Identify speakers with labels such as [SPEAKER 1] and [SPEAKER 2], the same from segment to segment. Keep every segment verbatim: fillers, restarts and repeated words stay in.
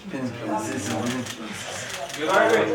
[SPEAKER 1] Güray Bey.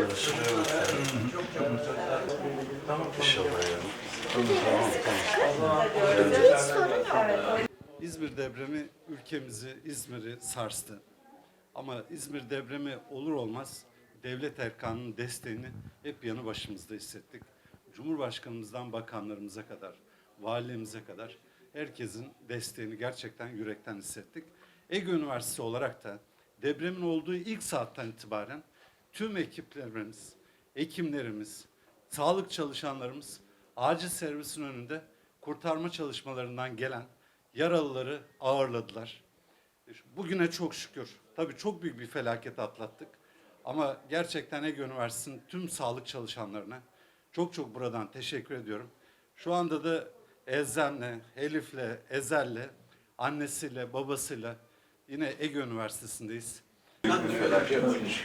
[SPEAKER 2] İzmir depremi ülkemizi, İzmir'i sarstı. Ama İzmir depremi olur olmaz devlet erkanının desteğini hep yanı başımızda hissettik. Cumhurbaşkanımızdan bakanlarımıza kadar, valimize kadar herkesin desteğini gerçekten yürekten hissettik. Ege Üniversitesi olarak da depremin olduğu ilk saatten itibaren tüm ekiplerimiz, hekimlerimiz, sağlık çalışanlarımız acil servisin önünde kurtarma çalışmalarından gelen yaralıları ağırladılar. Bugüne çok şükür. Tabii çok büyük bir felaket atlattık. Ama gerçekten Ege Üniversitesi'nin tüm sağlık çalışanlarına çok çok buradan teşekkür ediyorum. Şu anda da Elzem'le, Elif'le, Ezel'le, annesiyle, babasıyla yine Ege Üniversitesi'ndeyiz. Büyük bir felaket.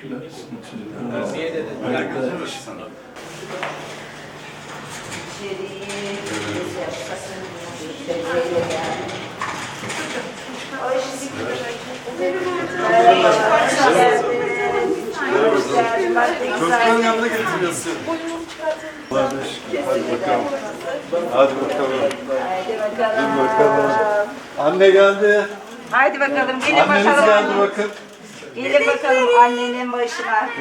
[SPEAKER 2] Çocukların yanına getiriyorsun. Hadi bakalım. Hadi bakalım. Hadi bakalım. Anne geldi.
[SPEAKER 3] Haydi bakalım, gelin
[SPEAKER 2] Anneniz
[SPEAKER 3] bakalım.
[SPEAKER 2] geldi bakın.
[SPEAKER 3] Gelin bakalım annenin başına.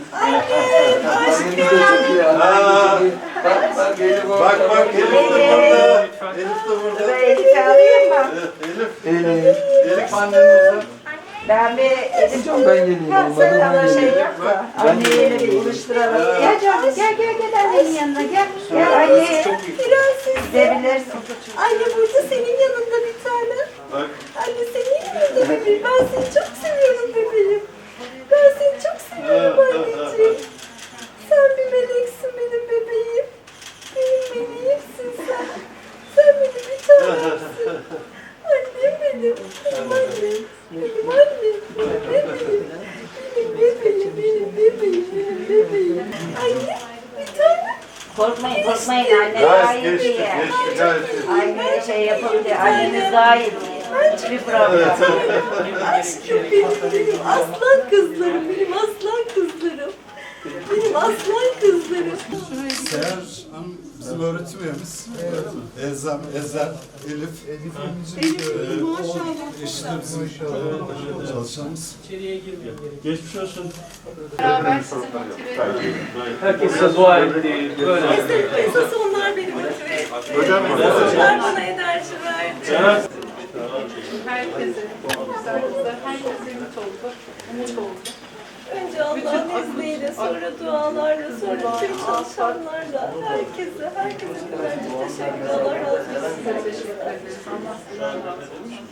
[SPEAKER 2] Bak bak Elif de burada. Elif de burada.
[SPEAKER 3] Ben Elif'i alayım mı?
[SPEAKER 2] Elif. Elif. Elif annenizden.
[SPEAKER 3] Ben bir Elif
[SPEAKER 4] Hocam ben geleyim.
[SPEAKER 3] sen
[SPEAKER 4] Olmadı
[SPEAKER 3] bana
[SPEAKER 4] ben
[SPEAKER 3] şey
[SPEAKER 4] geleyim.
[SPEAKER 3] yap da anneyle bir buluşturalım. Gel canım gel gel gel annenin yanına gel. Gel anne. Gidebilirsin.
[SPEAKER 5] Anne burada senin yanında bir tane.
[SPEAKER 2] Bak.
[SPEAKER 5] Anne senin yanında bebeğim. Ben seni çok seviyorum bebeğim. Ben seni çok seviyorum anneciğim. Sen bir meleksin benim bebeğim. Benim meleğimsin sen. Sen benim bir tanemsin. Annem benim. Benim annem. Benim annem. Benim bebeğim. Benim bebeğim. Benim bebeğim. Benim bebeğim. Anne bir tane.
[SPEAKER 3] Korkmayın korkmayın anne
[SPEAKER 2] Gayet
[SPEAKER 3] gayet
[SPEAKER 2] geçti.
[SPEAKER 3] iyi.
[SPEAKER 2] Geçti gayet iyi.
[SPEAKER 3] Anne şey yapabilir. Annemiz gayet iyi. Hiçbir problem yok.
[SPEAKER 5] Aşkım benim, benim aslan kızlarım, benim aslan kızlarım. Benim aslan kızlarım.
[SPEAKER 2] Seher Hanım bizim öğretim üyemiz. Elzem, Ezel, Elif.
[SPEAKER 5] Benim maşallah.
[SPEAKER 2] Eşi de bizim e, çalışanımız.
[SPEAKER 1] Geçmiş olsun.
[SPEAKER 6] Beraber sizi motive ediyor.
[SPEAKER 1] Herkese dua etti. Böyle.
[SPEAKER 5] Esas, esas onlar beni motive etti. Onlar bana enerji verdi.
[SPEAKER 6] Herkese, güzel güzel, herkese ümit oldu, umut oldu.
[SPEAKER 5] Önce Allah'ın izniyle, sonra dualarla, sonra tüm çalışanlarla, herkese, herkese kadar çok teşekkür ederim. Allah razı olsun.
[SPEAKER 6] Teşekkür ederiz. Allah sizden razı olsun.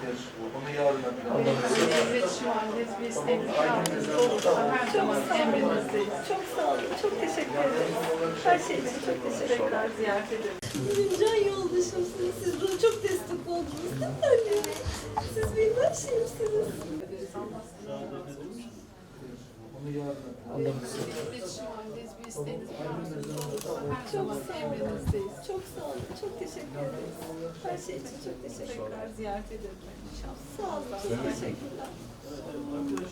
[SPEAKER 6] Sizinle iletişim halindeyiz. Bir isteğiniz yardımcınız olursa her zaman emrinizdeyiz.
[SPEAKER 5] Çok sağ olun, çok teşekkür ederiz. Her şey için çok teşekkür ederim.
[SPEAKER 6] Tekrar ziyaret ederiz.
[SPEAKER 5] Benim can yoldaşımsınız. Siz bana çok destek oldunuz değil mi anne? Siz benim her şeyimsiniz.
[SPEAKER 6] Allah sizden razı olsun. Sizinle iletişim halindeyiz. Bir isteğiniz yardımcınız olursa her zaman emrinizdeyiz.
[SPEAKER 5] Çok sağ olun, çok teşekkür ederiz. Her şey için çok teşekkür ederim.
[SPEAKER 6] Tekrar ziyaret ederiz inşallah.
[SPEAKER 5] Sağ olun, çok teşekkürler.